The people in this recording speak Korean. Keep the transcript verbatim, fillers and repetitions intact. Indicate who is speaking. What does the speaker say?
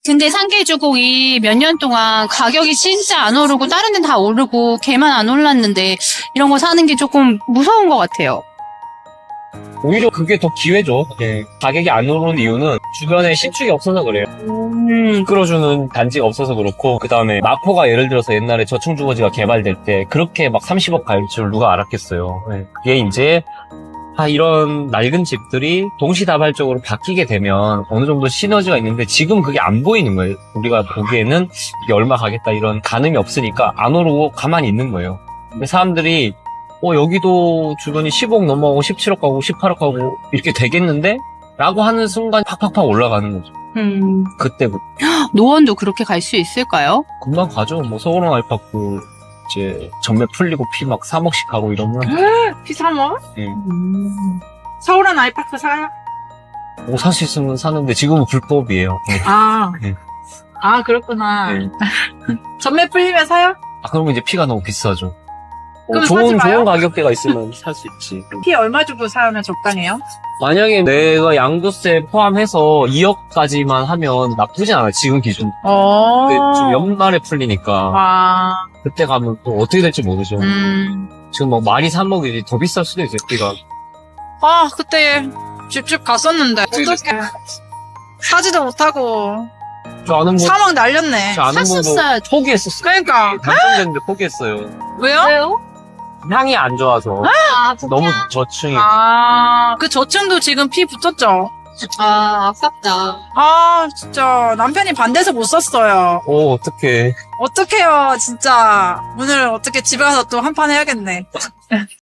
Speaker 1: 근데 삼계주곡이 몇 년 동안 가격이 진짜 안 오르고 다른 데는 다 오르고 걔만 안 올랐는데 이런 거 사는 게 조금 무서운 것 같아요.
Speaker 2: 오히려 그게 더 기회죠. 예. 가격이 안 오르는 이유는 주변에 신축이 없어서 그래요. 음, 끌어주는 단지가 없어서 그렇고, 그 다음에 마포가 예를 들어서 옛날에 저층주거지가 개발될 때 그렇게 막 삼십억 갈 줄 누가 알았겠어요. 예. 그게 이제 아, 이런 낡은 집들이 동시다발적으로 바뀌게 되면 어느 정도 시너지가 있는데 지금 그게 안 보이는 거예요. 우리가 보기에는 이게 얼마 가겠다 이런 가늠이 없으니까 안 오르고 가만히 있는 거예요. 근데 사람들이 어, 여기도 주변이 십억 넘어가고 십칠억 가고 십팔억 가고 이렇게 되겠는데? 라고 하는 순간 팍팍팍 올라가는 거죠.
Speaker 1: 음.
Speaker 2: 그때부터.
Speaker 1: 노원도 그렇게 갈 수 있을까요?
Speaker 2: 금방 가죠. 뭐 서울원 알파고 이제 전매 풀리고 피 막 삼억씩 가고 이러면
Speaker 3: 피 삼억?
Speaker 2: 예.
Speaker 3: 음. 서울은 아이파크 사요?
Speaker 2: 뭐 살 수 있으면 사는데 지금은 불법이에요. 예.
Speaker 3: 아.
Speaker 2: 예.
Speaker 3: 아, 그렇구나.
Speaker 2: 예.
Speaker 3: 전매 풀리면 사요?
Speaker 2: 아, 그러면 이제 피가 너무 비싸죠. 어,
Speaker 3: 그럼
Speaker 2: 좋은,
Speaker 3: 사지 마요?
Speaker 2: 좋은 가격대가 있으면 살 수 있지.
Speaker 3: 피 얼마 주고 사면 적당해요?
Speaker 2: 만약에 내가 양도세 포함해서 이억까지만 하면 나쁘진 않아요. 지금 기준.
Speaker 3: 어.
Speaker 2: 근데 좀 연말에 풀리니까.
Speaker 3: 아.
Speaker 2: 그때 가면 또 어떻게 될지 모르죠.
Speaker 3: 음.
Speaker 2: 지금 막 말이 삼억이지 더 비쌀 수도 있어요, 피가.
Speaker 3: 아, 그때 집집 갔었는데. 어떡해. 사지도 못하고.
Speaker 2: 저 아는 분,
Speaker 3: 삼억 날렸네.
Speaker 2: 저 아는 분도
Speaker 1: 샀었어요.
Speaker 2: 포기했었어요.
Speaker 3: 그러니까.
Speaker 2: 당첨됐는데 포기했어요.
Speaker 3: 왜요?
Speaker 1: 왜요?
Speaker 2: 향이 안 좋아서.
Speaker 1: 아,
Speaker 2: 너무 저층이.
Speaker 3: 아, 그 저층도 지금 피 붙었죠?
Speaker 1: 아, 아깝다.
Speaker 3: 아, 진짜 남편이 반대해서 못 샀어요.
Speaker 2: 오, 어떡해.
Speaker 3: 어떡해요, 진짜. 오늘 어떻게 집에 가서 또 한 판 해야겠네.